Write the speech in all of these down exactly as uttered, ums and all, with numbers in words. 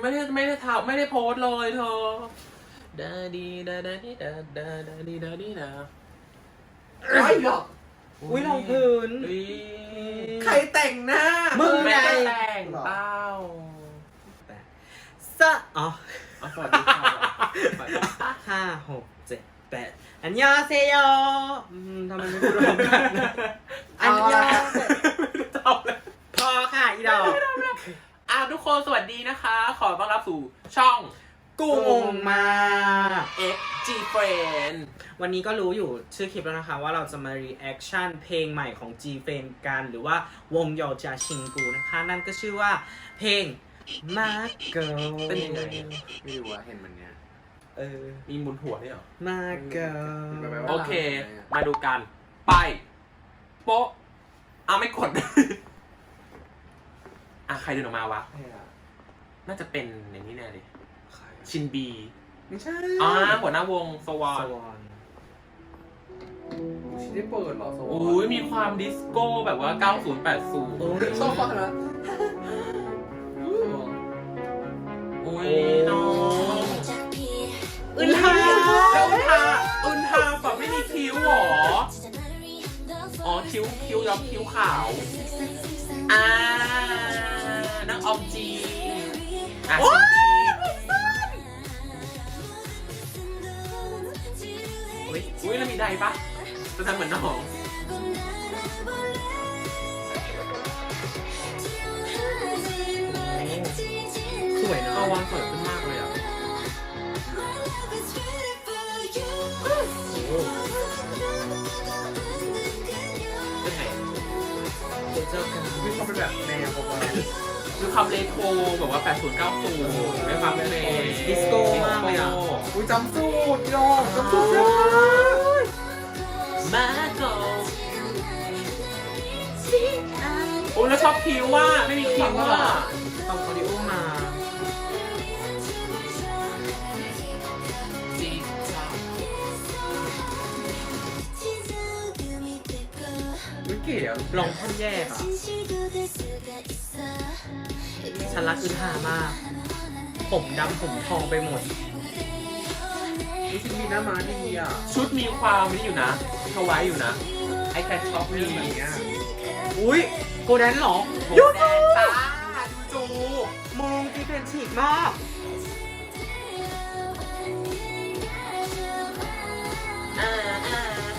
ไม่ได้ไม่ได้ทำไม่ได้โพสเลยเธอดาดีดาดาดีดาดาดาดีดาดีดาไรหรอกอุ้ยรองพื้นใครแต่งหน้ามึงไม่ได้แต่งเต้าสะอ๋อสวัสดีค่ะห้าหกเจ็ดแปดอันยาเซโยทำไมไม่พูดพร้อมกันอันยาพอค่ะอีดอกอ่ะทุกคนสวัสดีนะคะขอต้อนรับสู่ช่องกูงงมากเอ็กซ์ จี Friend วันนี้ก็รู้อยู่ชื่อคลิปแล้วนะคะว่าเราจะมา reaction เพลงใหม่ของ G Friend กันหรือว่าวงโยจาชิงกูนะคะนั่นก็ชื่อว่าเพลง Margo เป็นยังไงไม่รู้ว่าเห็นมันเนี้ยเออมีมุนหัวด้วยเหรอ Margo โอเคมาดูกันไปโป๊ะเอาไม่กดอ่ะใครเดินออกมาวะน่าจะเป็นอย่างนี้แน่เลยชินบีไม่ใช่อ่าหัวหน้าวงสวอนชินได้เปิดหรอสวอนโอ้ยมีความดิสโก้แบบว่าเก้าสิบ แปดสิบชอบฟังนะโอ้ยน้องอึนทาแล้วอึนทาอึนทาแบบไม่มีคิ้วหรออ๋อคิ้วคิ้วย้อมคิ้วขาวอ่านักออมจีอ่ะอุ้ยอุ้ยแล้วมีใดปะจะทำเหมือนน้องสวยนะเอาวางสวยขึ้นมากเลยอ่ะเป็นไงเจอกันมีความเป็นแบบแนวประมาณคือความเลโทรแบบว่าแปดสิบ เก้าสิบด้วยความเป็นดิสโก้มากเลยอ่ะอุ้ยจำสูตรยอมจำสูตรมาโกโอ้แล้วชอบคิ้วว่าไม่มีคิ้วว่าต้องคอดิโอมาวิเก๋อะลองท่อนแยกอ่ะฉันรักอึนทามากผมดำผมทองไปหมดวิชิมีหน้าม้าดีอ่ะชุดมีความนี่อยู่นะเขาไว้อยู่นะไอแคทช็อปมีแบบนี้อุ้ยโกแดนหรอยูจูจ้ายูจูมึงที่เป็นฉีกมากอ่าอ่า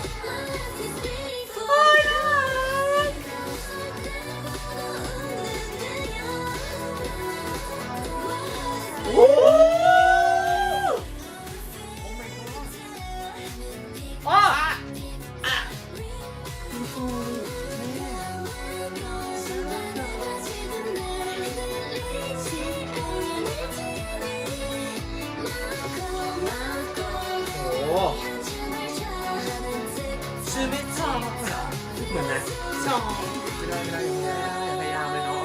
โอ้อ๋ออ่ะโอ้ชื่อไม่ชอบเหมือนนะชอบไม่ได้ไม่ได้พยายามเลยเนาะ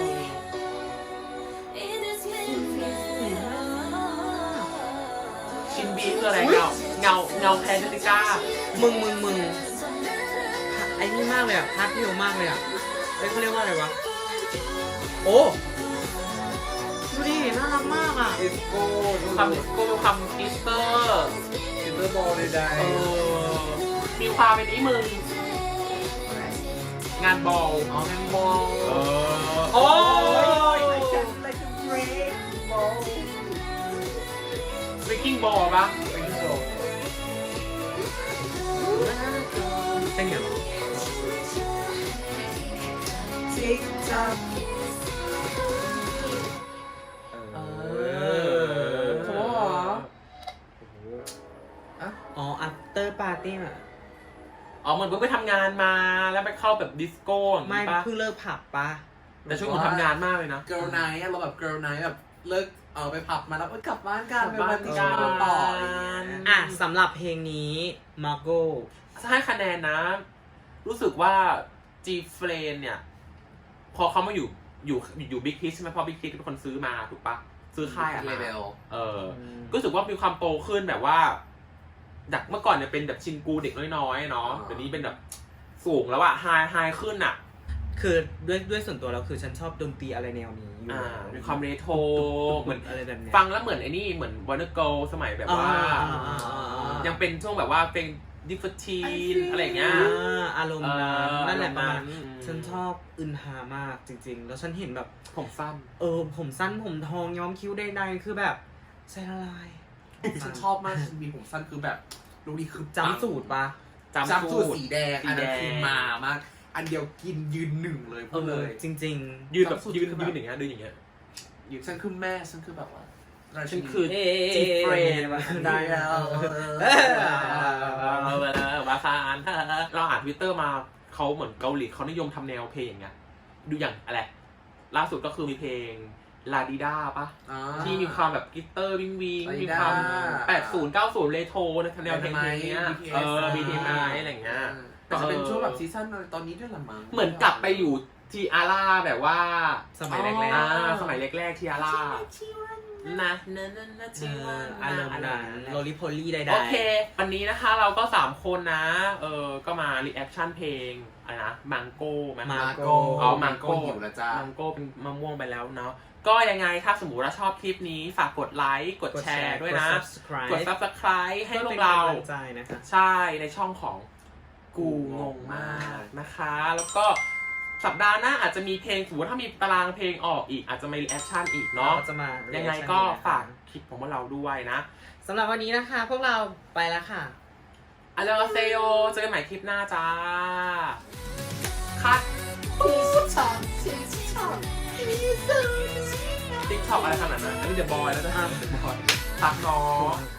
ชินบีคืออะไรเงาเงาเงาแพนเดติก้ามึงมึงมึงไอ้นี่มากเลยอ่ะพาร์ทเดียวมากเลยอ่ะไอ้เขาเรียกว่าอะไรวะโอ้ดูดิน่ารักมากอ่ะดิสโก้ความดิสโก้ความกิสเตอร์กิสเตอร์บอลใดๆมีความเป็นนี้มึงงานบอลอ๋องานบอลเออโอ้ยเบกกิ้งบอลปะเป็นไงจิ๊กจับเออเขาบอกว่าอ๋อ after party อ่ะอ๋อเหมือนเพิ่งไปทำงานมาแล้วไปเข้าแบบดิสโก้ไม่เพิ่งเลิกผับปะแต่ช่วงผมทำงานมากเลยนะ girl night เราแบบ girl night แบบเลิกเออไปผับมาแล้วกลับบ้านกันไปบ้านกันต่ออ่ะสำหรับเพลงนี้ Margo ให้คะแนนนะรู้สึกว่า G Friend เนี่ยพอเขามาอยู่อยู่อยู่บิ๊กฮิตใช่ไหมพอบิ๊กฮิตเป็นคนซื้อมาถูกปะซื้อค่ายอะไรเออก็รู้สึกว่ามีความโตขึ้นแบบว่าจากเมื่อก่อนเนี่ยเป็นแบบชินกูเด็กน้อยๆเนาะเดี๋ยวนี้เป็นแบบสูงแล้วอะไฮไฮขึ้นอะคือด้วยด้วยส่วนตัวแล้วคือฉันชอบดนตรีอะไรแนวนี้อยู่อ่ามีความเรโทรเหมือนอะไรแบบเนี้ยฟังแล้วเหมือนไอ้นี่เหมือนวอร์เนอร์เกิลสมัยแบบว่าอ่าๆๆๆยังเป็นช่วงแบบว่าเป็นดิฟทีนอะไรอย่างเงี้ยอ่าอารมณ์นั้นเออนั่นแหละประมามาณนั้นฉันชอบอึนหามากจริง ๆ แล้วฉันเห็นแบบผมสั้นเออผมสั้นผมทองย้อมคิ้วใดๆคือแบบใจละลายฉันชอบมากฉันมีผมสั้นคือแบบลูกนี้คือจำสูตรปะจำจำสูตรสีแดงสีอันแดนั้นงคือมามาก อันเดียวกินยืนหนึ่งเลยพูดเลยจริงยืนแบบจำสูตรยืนคือแบบยืนอย่างเงี้ยยืนอย่างเงี้ยยืนฉันคือแม่ฉันคือแบบว่าราฉัชินนีคือๆ เอ๊จีเฟรนได้แล้วเออวาซานเราอ่านทวิตเตอร์มาเขาเหมือนเกาหลีเขานิยมทำแนวเพลงอย่างเงี้ยดูอย่างอะไรล่าสุดก็คือมีเพลงลาดิด้าปะอ่าที่มีความแบบกิตเตอร์วิงวิง Ladida มีความแปดสิบ เก้าสิบเรโทรในแนวเพลงเนี้ยบี ที เอสเออ บี ที เอส อะไรอย่างเงี้ยแต่จะเป็นช่วงแบบซีซั่นอะไรตอนนี้ด้วยละมั้งเหมือนกลับไปอยู่ทีอาร่าแบบว่าสมัยแรกอ่าๆสมัยแรกๆทีอาร่านะนะนะนะเอทีว่าออารมณ์นั้นโรลิโพลี่ใดๆโอเค วันนี้นะคะเราก็สามคนนะ เออก็มารีแอคชั่นเพลงอะไรนะมังโก้ไหมมาโกอ๋อมังโก้หิวแล้วจ้ามังโก้เป็นมะม่วงไปแล้วเนาะก็ยังไงถ้าสมมติว่าชอบคลิปนี้ฝากกดไลค์กดแชร์ด้วยนะกด subscribe กด subscribe ให้เพื่อพวเป็นกเรากำลังใจนะคะใช่ในช่องของกูงงมากนะคะ แล้วก็สัปดาห์หน้าอาจจะมีเพลงสมมติถ้ามีตารางเพลงออกอีกอาจจะมีรีแอคชั่นอีกเนาะเราจะมายัยังไงก็ฝากคลิปของพวกเราด้วยนะสำหรับวันนี้นะคะ พวกเราไปแล้วค่ะอัลเลเซโยเจอกันใหม่คลิปหน้าจ้า คัดติ๊กช็อกอะไรขนาดนั้นอันนี้เดอะบอยแล้วจะห้ามเดอะบอยพักน้อง